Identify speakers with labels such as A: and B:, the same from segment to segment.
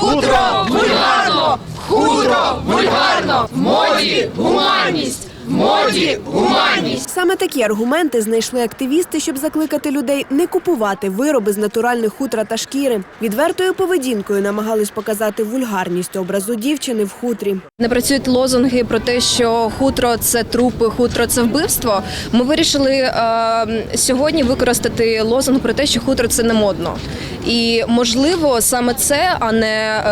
A: Хутро вульгарно! Хутро вульгарно! В моді гуманність! В моді гуманність!
B: Саме такі аргументи знайшли активісти, щоб закликати людей не купувати вироби з натуральних хутра та шкіри. Відвертою поведінкою намагались показати вульгарність образу дівчини в хутрі.
C: Не працюють лозунги про те, що хутро – це трупи, хутро – це вбивство. Ми вирішили сьогодні використати лозунг про те, що хутро – це не модно. І, можливо, саме це, а не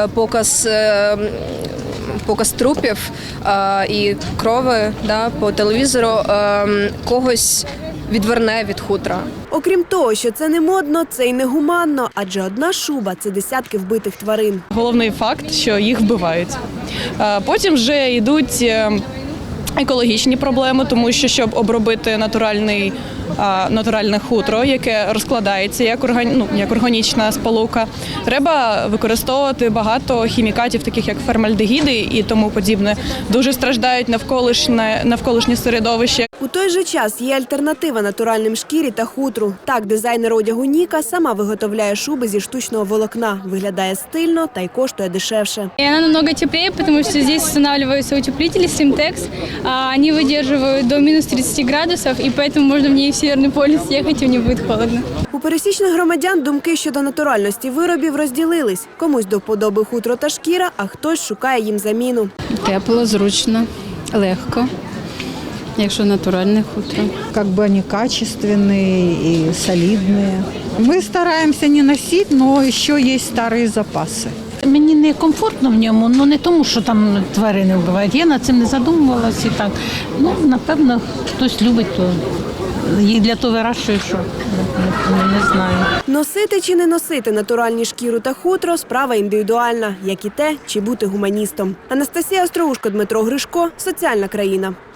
C: показ трупів і крови по телевізору когось відверне від хутра.
B: Окрім того, що це не модно, це й не гуманно, адже одна шуба – це десятки вбитих тварин.
D: Головний факт, що їх вбивають. Потім вже йдуть екологічні проблеми, тому що, щоб обробити натуральне хутро, яке розкладається як органічна сполука, треба використовувати багато хімікатів, таких як формальдегіди і тому подібне. Дуже страждають навколишнє середовище.
B: У той же час є альтернатива натуральним шкірі та хутру. Так, дизайнер одягу Ніка сама виготовляє шуби зі штучного волокна. Виглядає стильно та й коштує дешевше.
E: Вона намного теплее, тому що тут встановлюються утеплителі Simtex. Вони видержують до мінус 30 градусів, і тому можна в ній в Северний полюс їхати, і не буде холодно.
B: У пересічних громадян думки щодо натуральності виробів розділились. Комусь до вподоби хутро та шкіра, а хтось шукає їм заміну.
F: Тепло, зручно, легко, якщо натуральне хутро.
G: Как бы они качественные и солидные. Мы стараемся не носить, но еще есть старые запасы.
H: Мені не комфортно в ньому, не тому, що там тварини вбивають. Я над цим не задумувалася і так. Напевно, хтось любить, то їх для того вирощують, що не знаю.
B: Носити чи не носити натуральні шкіру та хутро – справа індивідуальна, як і те, чи бути гуманістом. Анастасія Остроушко, Дмитро Гришко, Соціальна країна.